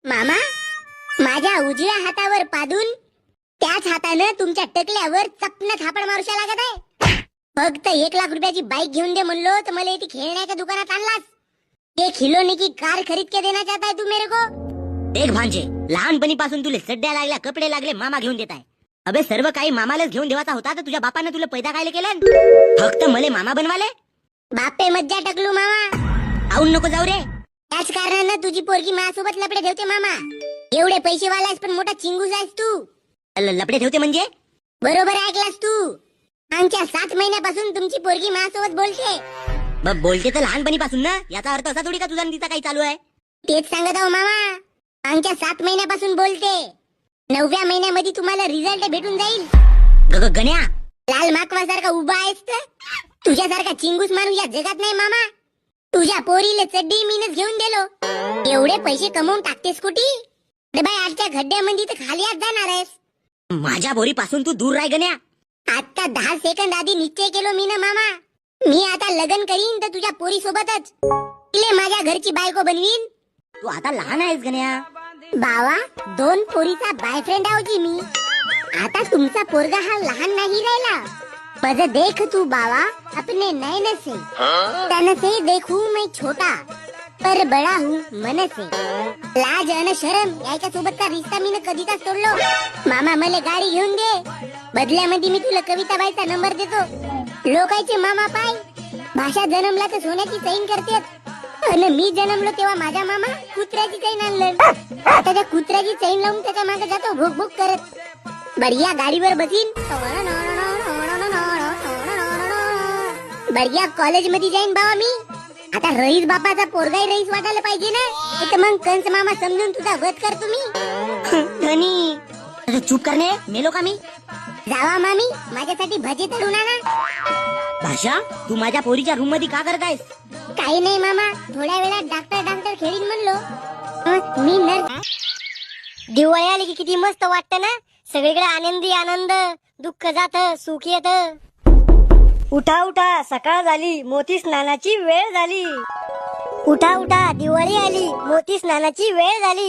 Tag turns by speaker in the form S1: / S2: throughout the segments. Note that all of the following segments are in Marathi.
S1: मामा, माझ्या उजव्या हातावर पादून त्याच हातानं तुमच्या टकल्यावर चपना थापड मारूशा लागत आहे. फक्त 1 लाख रुपयाची बाईक घेऊन दे म्हणलो तर मला इथे खेळण्याच्या दुकानात आणलास. ये खिलौने की कार खरीद के देना चाहता है तू मेरे को?
S2: देख भांजे, लहानपणीपासून तुले सड्ड्या लागल्या, कपडे लागले, मामा घेऊन देताय. अबे सर्व काही मामालाच घेऊन देवाचा होता तर तुझ्या बापानं तुला पैदा कायले केलं? फक्त मले मामा बनवाले.
S1: बापे मज्जा टकलू मामा.
S2: आऊन नको जाऊ रे.
S1: त्याच कारणानं तुझी पोरगी माझ्यासोबत लपडे ठेवते मामा. एवढे पैसे वालायस पण मोठा चिंगूस आहेस तू.
S2: लपडे ठेवते म्हणजे?
S1: बरोबर ऐकलास तू. आमच्या 7 महिन्यापासून तुमची पोरगी माझ्यासोबत बोलते.
S2: बोलते तर लहानपणीपासून ना, याचा अर्थ असा थोडी का तुझा तिचा काही चालू आहे.
S1: तेच सांगत आहो मामा. आमच्या 7 महिन्यापासून बोलते. 9व्या महिन्यामध्ये तुम्हाला रिझल्ट भेटून जाईल.
S2: गण्या,
S1: लाल माकवासारखा उभा आहेस तर तुझ्यासारखा चिंगूस माणूस या जगात नाही मामा. तुझ्या पोरीले चड्डी मीनच घेऊन दिलो. एवढे पैसे कमवून टाकतेस कुठे? अरे बाई, आजच्या खड्ड्यामध्ये तर खाली आत जाणार आहेस.
S2: माझ्या बोरीपासून तू दूर राह गण्या.
S1: आता 10 सेकंद आधी निश्चय केलो मी ना मामा. मी आता लग्न करीन तर तुझ्या पोरी सोबतच. तिले माझ्या घरची बायको बनवीन.
S2: तू आता लहान आहेस गण्या.
S1: बावा, 2 पोरीचा बॉयफ्रेंड आहोजी मी. आता तुमचा पोरगा हा लहान नाही राहिला. पज देख तू बावा अपने नैन से, तन से देखू मैं छोटा पर बड़ा हूँ मन से. लाज अन शरम याच्या सोबतचा रिश्ता मी कधीचा सोडलो. मामा मला गाडी घेऊन दे. बदल्यामध्ये मी तुला कविताबाईचा नंबर देतो. लोकांचे मामा पाय भाषा जन्मला तर सोन्याची चैन करतात. आणि मी जन्मलो तेव्हा माझा मामा कुत्र्याची चैन आणलं. आता त्या कुत्र्याची चैन लावून त्याच्या मागे जातो भूक भूक करत. बढिया गाडीवर बसीन, बढिया कॉलेज मध्ये जाईन बाबा मी. आता रईस बापाचा पोरगाही रईस वाटायला पाहिजे ना. तर मग कंस मामा समजून तुझा वध कर तुम्ही.
S2: धनी चूप करणे, मेलो का मी?
S1: जावा मामी, माझ्यासाठी भजी तळून आणा.
S2: भाषा, तू माझ्या पोरीच्या रूम मध्ये का करत आहेस?
S1: काही नाही मामा, थोड्या वेळात डॉक्टर खेळीन म्हणलो. मी नर्स. दिवाळी आली की किती मस्त वाटत ना. सगळीकडे आनंदी आनंद, दुःख जात, सुख येत.
S3: उठा उठा, सकाळ झाली, मोती स्नानाची वेळ झाली.
S1: उठा उठा, दिवाळी आली, मोती स्नानाची वेळ झाली.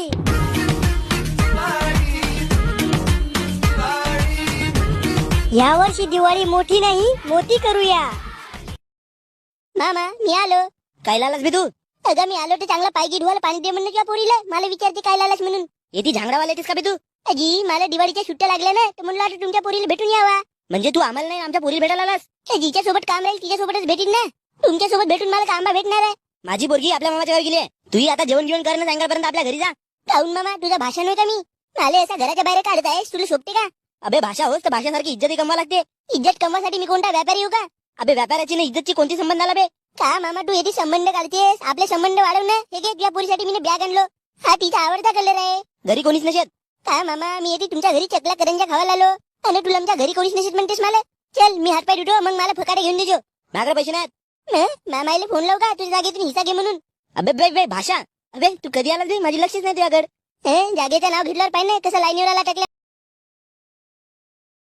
S1: या वर्षी दिवाळी मोठी नाही, मोठी करूया. मामा, मी आलो.
S2: काय लालास बे तू?
S1: अगं मी आलो तर चांगला पाय गिडवायला पाणी दे म्हणलं किंवा पोरीला. मला विचारते काय लालास म्हणून.
S2: येती झांगडावाला येतेस का बे तू?
S1: अजी, मला दिवाळीच्या सुट्ट्या लागल्या ना, तर म्हणलं आता तुमच्या पोरीला भेटून यावा.
S2: म्हणजे तू आम्हाला नाही, आमच्या पोरीला भेटायला आलास?
S1: जिच्या सोबत काम राहील तिच्या सोबतच भेटीन ना. तुमच्या सोबत भेटून मला कांबा भेटणार आहे.
S2: माझी पोरगी आपल्या मामाच्या घरी गेली आहे. तूही आता जेवण जेवण करणं सायंकाळपर्यंत आपल्या घरी जा.
S1: काऊन मामा, तुझं भाषण होतं मी. मला असा घराच्या बाहेर काढत आहेस, तुला शोभते का?
S2: अबे भाषा होस तर भाषासारखी इज्जतही कमवा लागते.
S1: इज्जत कमवासाठी मी कोणता व्यापारी येऊ का?
S2: अबे व्यापाराची ना इज्जतची कोणती संबंध आला बे?
S1: का मामा, तू येते संबंध काढतेस. आपले संबंध वाढव ना. हे घे, तुझ्या पोरीसाठी मी बॅग आणलो. हा तिचा आवडता कलर आहे.
S2: घरी कोणीच नसेल
S1: का मामा, मी येते तुमच्या घरी चकला करंजा खावायला आलो. आणि तुला आमच्या घरी कोणीच नसेल म्हणतेस मला. चल, मी हातपाय धुतो, मग मला फकाडे घेऊन देजो.
S2: माझ्याकडे पैसे नाहीत.
S1: मामाईला फोन लावू का तुझ्या जागेतून हिस्सा घे म्हणून?
S2: अबे बे बे भाषा, अबे तू कधी आला बे? माझी लक्षच नाही तुझ्याकडे.
S1: जागेचं नाव घेतल्यावर पाहिजे कसं लाईनीवर आला टाकल्या.